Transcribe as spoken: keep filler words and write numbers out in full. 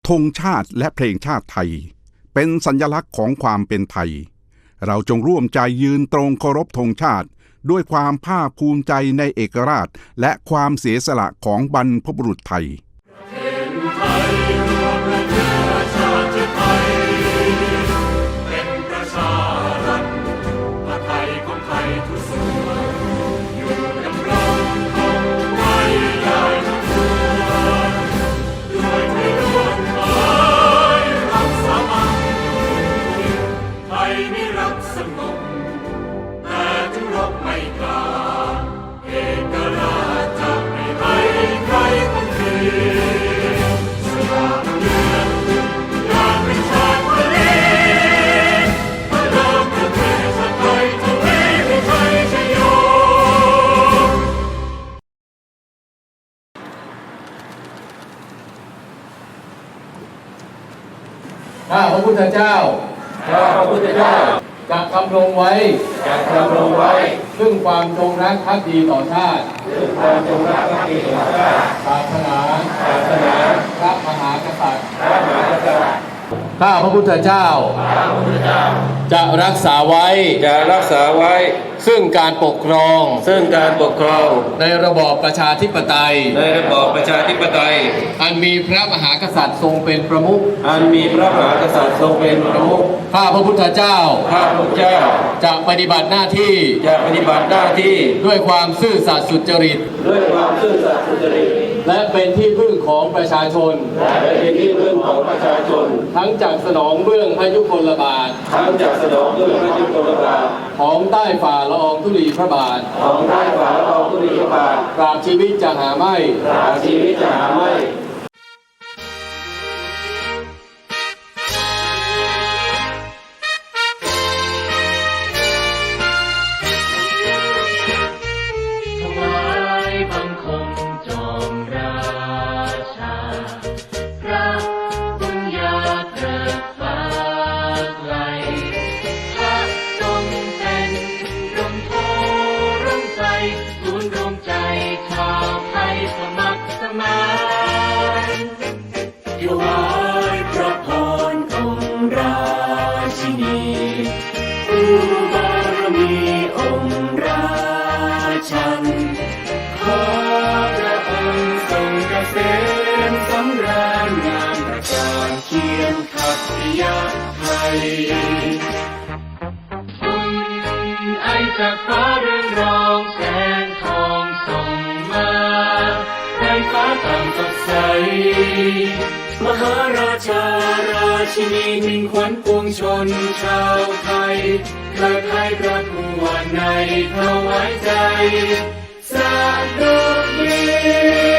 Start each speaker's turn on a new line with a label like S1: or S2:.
S1: ธงชาติและเพลงชาติไทยเป็นสัญลักษณ์ของความเป็นไทยเราจงร่วมใจยืนตรงเคารพธงชาติด้วยความภาคภูมิใจในเอกราชและความเสียสละของบรรพบุรุษไทย
S2: ข้าพระพุทธเจ้าข้าพระพุทธเจ้าจะดำรงไว้จะดำรงไว้ซึ่งความจงรักภักดีต่อชาติซึ่งความจงรักภักดีต่อชาติศาสนาศาสนาพระมหากษัตริย์พระมหากษัตริย์ข้าพระพุทธเจ้าข้าพระพุทธเจ้าจะรักษาไว้จะรักษาไว้ซึ่งการปกครองซึ่งการปกครองในระบอบประชาธิปไตยในระบอบประชาธิปไตยอันมีพระมหากษัตริย์ทรงเป็นประมุขอันมีพระมหากษัตริย์ทรงเป็นประมุขข้าพระพุทธเจ้าข้าพระพุทธเจ้าจะปฏิบัติหน้าที่จะปฏิบัติหน้าที่ด้วยความซื่อสัตย์สุจริตด้วยความซื่อสัตย์สุจริตและเป็นที่พึ่งของประชาชนและเป็นที่พึ่งของประชาชนทั้งจากสนองเบื้องพระยุคลบาททั้งจากสนองเบื้องพระยุคลบาทของใต้ฝ่าละอองธุลีพระบาทของใต้ฝ่าละอองธุลีพระบาทตราบชีวิตจะหาไม่ตราบชีวิตจะหาไม่ไอจากฟ้าเรืองรองแสงทองส่งมาในฟ้าต่างสดใสมหาราชาราชินีมิ่งขวัญปวงชนชาวไทยเกิดให้พระผู้ว่าในถวายใจสาธุดี